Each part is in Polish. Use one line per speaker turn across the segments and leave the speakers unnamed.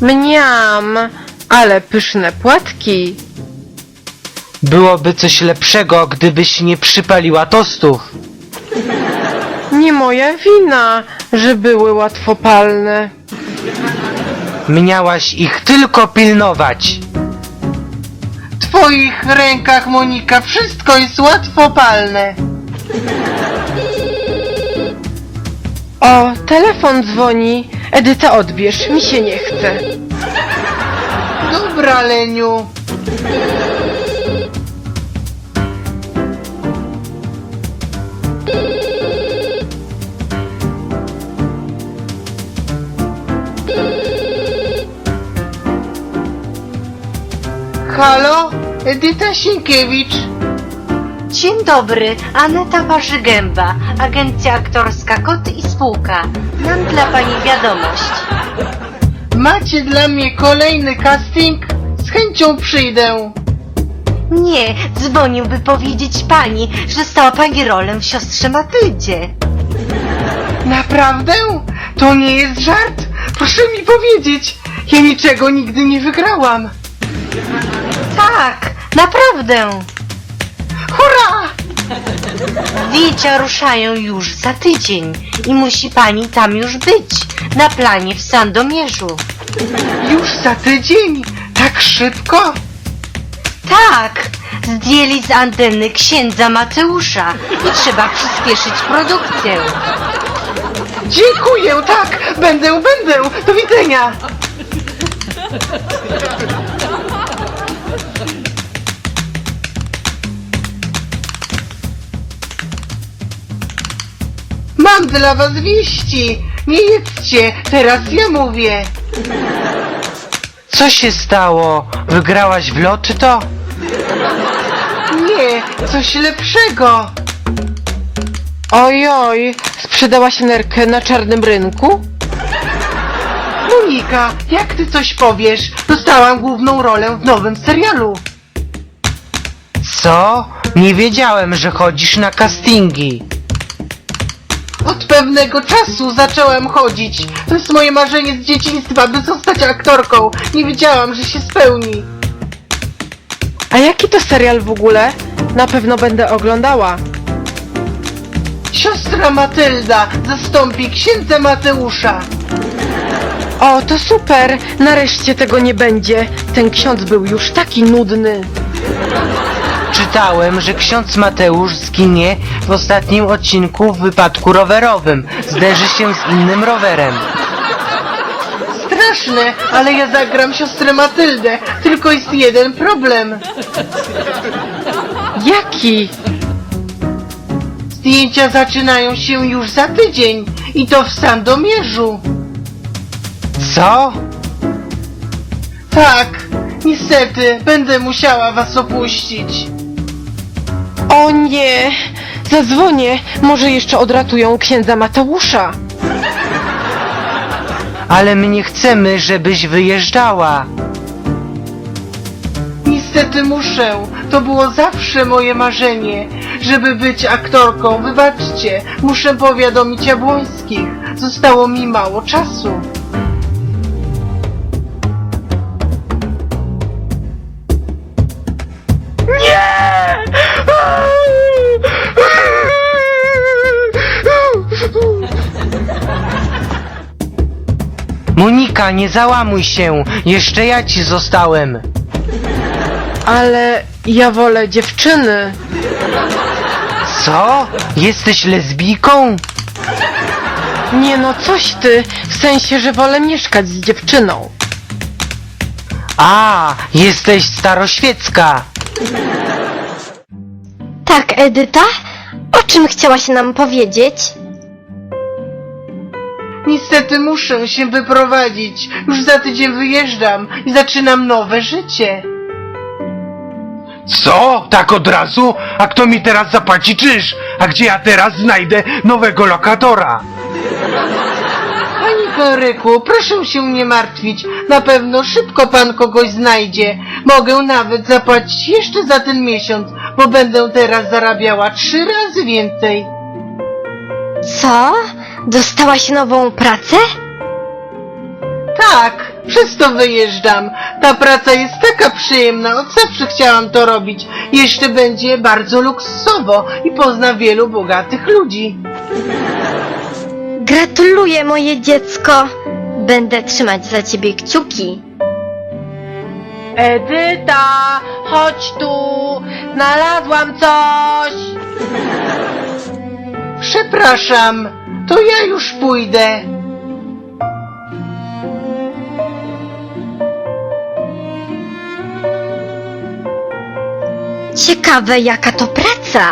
Mniam, ale pyszne płatki.
Byłoby coś lepszego, gdybyś nie przypaliła tostów.
Nie moja wina, że były łatwopalne.
Miałaś ich tylko pilnować.
W twoich rękach, Monika, wszystko jest łatwopalne.
O, telefon dzwoni. Edyta, odbierz, mi się nie chce.
Dobra, Leniu. Halo? Edyta Sienkiewicz.
Dzień dobry, Aneta Warzygęba, agencja aktorska Kot i Spółka. Mam dla pani wiadomość.
Macie dla mnie kolejny casting? Z chęcią przyjdę.
Nie, dzwonił, by powiedzieć pani, że dostała pani rolę w siostrze Matyldzie.
Naprawdę? To nie jest żart? Proszę mi powiedzieć. Ja niczego nigdy nie wygrałam.
Tak, naprawdę.
Hurra!
Zdjęcia ruszają już za tydzień i musi pani tam już być, na planie w Sandomierzu.
Już za tydzień? Tak szybko?
Tak, zdjęli z anteny księdza Mateusza i trzeba przyspieszyć produkcję.
Dziękuję, tak! Będę! Do widzenia! Mam dla was wieści! Nie jedzcie! Teraz ja mówię!
Co się stało? Wygrałaś w loto?
Nie! Coś lepszego!
Ojoj, sprzedałaś nerkę na czarnym rynku?
Monika, jak ty coś powiesz? Dostałam główną rolę w nowym serialu!
Co? Nie wiedziałem, że chodzisz na castingi.
Od pewnego czasu zaczęłam chodzić. To jest moje marzenie z dzieciństwa, by zostać aktorką. Nie wiedziałam, że się spełni.
A jaki to serial w ogóle? Na pewno będę oglądała.
Siostra Matylda zastąpi księdza Mateusza.
O, to super! Nareszcie tego nie będzie. Ten ksiądz był już taki nudny.
Czytałem, że ksiądz Mateusz zginie w ostatnim odcinku w wypadku rowerowym. Zderzy się z innym rowerem.
Straszne, ale ja zagram siostrę Matyldę. Tylko jest jeden problem.
Jaki?
Zdjęcia zaczynają się już za tydzień. I to w Sandomierzu.
Co?
Tak, niestety, będę musiała was opuścić.
O nie! Zadzwonię, może jeszcze odratują księdza Mateusza.
Ale my nie chcemy, żebyś wyjeżdżała.
Niestety muszę. To było zawsze moje marzenie, żeby być aktorką. Wybaczcie, muszę powiadomić Jabłońskich. Zostało mi mało czasu.
Monika, nie załamuj się. Jeszcze ja ci zostałem.
Ale ja wolę dziewczyny.
Co? Jesteś lesbijką?
Nie no, coś ty, w sensie, że wolę mieszkać z dziewczyną.
A, jesteś staroświecka.
Tak, Edyta? O czym chciałaś nam powiedzieć?
Niestety muszę się wyprowadzić. Już za tydzień wyjeżdżam i zaczynam nowe życie.
Co? Tak od razu? A kto mi teraz zapłaci czynsz? A gdzie ja teraz znajdę nowego lokatora?
Panie Henryku, proszę się nie martwić. Na pewno szybko pan kogoś znajdzie. Mogę nawet zapłacić jeszcze za ten miesiąc, bo będę teraz zarabiała 3 razy więcej.
Co? Dostałaś nową pracę?
Tak, Przez to wyjeżdżam. Ta praca jest taka przyjemna, od zawsze chciałam to robić. Jeszcze będzie bardzo luksusowo i pozna wielu bogatych ludzi.
Gratuluję, moje dziecko. Będę trzymać za ciebie kciuki.
Edyta, chodź tu! Znalazłam coś!
Przepraszam, to ja już pójdę.
Ciekawe, jaka to praca.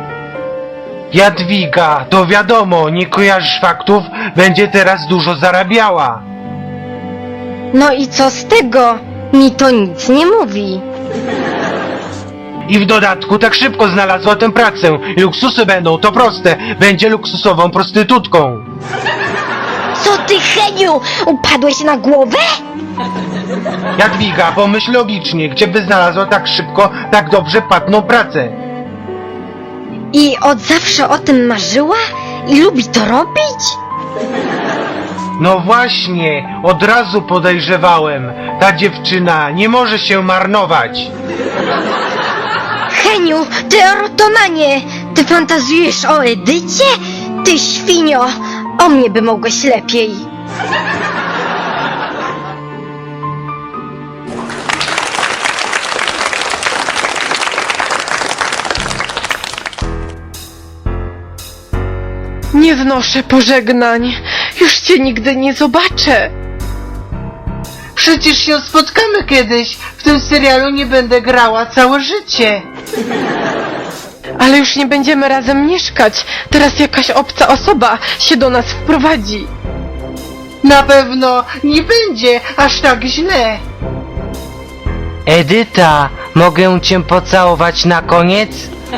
Jadwiga, to wiadomo, nie kojarzysz faktów, będzie teraz dużo zarabiała.
No i co z tego? Mi to nic nie mówi.
I w dodatku tak szybko znalazła tę pracę. I luksusy będą, to proste, będzie luksusową prostytutką.
Co ty, Heniu? Upadłeś na głowę?
Jadwiga, pomyśl logicznie, gdzie by znalazła tak szybko, tak dobrze płatną pracę?
I od zawsze o tym marzyła? I lubi to robić?
No właśnie, od razu podejrzewałem. Ta dziewczyna nie może się marnować.
Heniu, ty erotomanie! Ty fantazjujesz o Edycie? Ty świnio! O mnie by mogłeś lepiej.
Nie znoszę pożegnań. Już cię nigdy nie zobaczę.
Przecież się spotkamy kiedyś. W tym serialu nie będę grała całe życie.
Ale już nie będziemy razem mieszkać. Teraz jakaś obca osoba się do nas wprowadzi.
Na pewno nie będzie aż tak źle.
Edyta, mogę cię pocałować na koniec?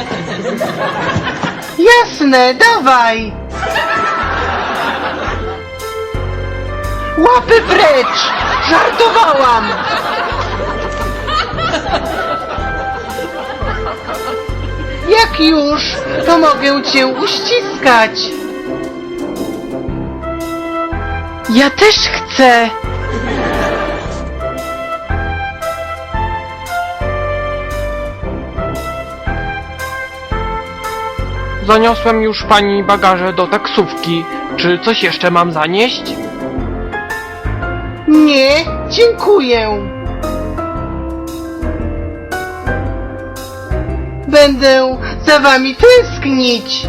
Jasne, dawaj. Łapy precz! Żartowałam! Jak już, to mogę cię uściskać.
Ja też chcę.
Zaniosłem już pani bagaże do taksówki. Czy coś jeszcze mam zanieść?
Nie, dziękuję. Będę za wami tęsknić.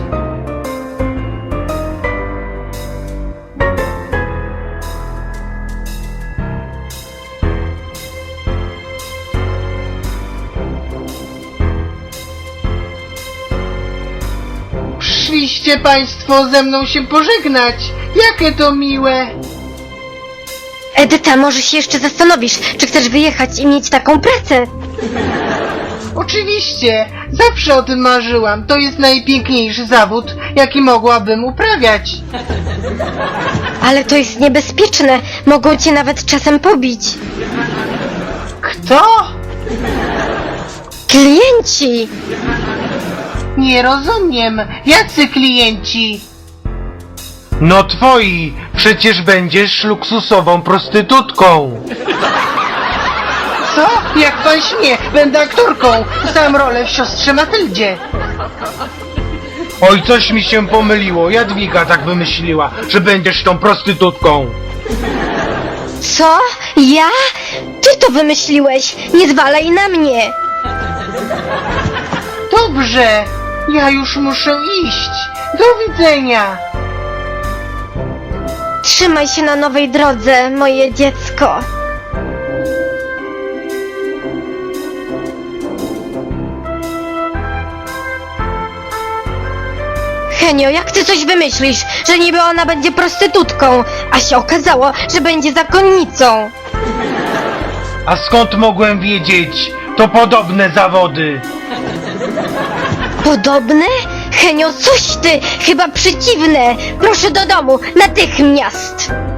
Przyszliście państwo ze mną się pożegnać. Jakie to miłe.
Edyta, może się jeszcze zastanowisz, czy chcesz wyjechać i mieć taką pracę?
Oczywiście, zawsze o tym marzyłam. To jest najpiękniejszy zawód, jaki mogłabym uprawiać.
Ale to jest niebezpieczne. Mogą cię nawet czasem pobić.
Kto?
Klienci!
Nie rozumiem. Jacy klienci?
No twoi, przecież będziesz luksusową prostytutką.
Co? Jak pan śmie? Będę aktorką. Sam rolę w siostrze Matyldzie.
Oj, coś mi się pomyliło, Jadwiga tak wymyśliła, że będziesz tą prostytutką.
Co? Ja? Ty to wymyśliłeś! Nie zwalaj na mnie!
Dobrze. Ja już muszę iść. Do widzenia.
Trzymaj się na nowej drodze, moje dziecko. Henio, jak ty coś wymyślisz, że niby ona będzie prostytutką, a się okazało, że będzie zakonnicą?
A skąd mogłem wiedzieć? To podobne zawody.
Podobne? Henio, coś ty! Chyba przeciwne! Proszę do domu, natychmiast!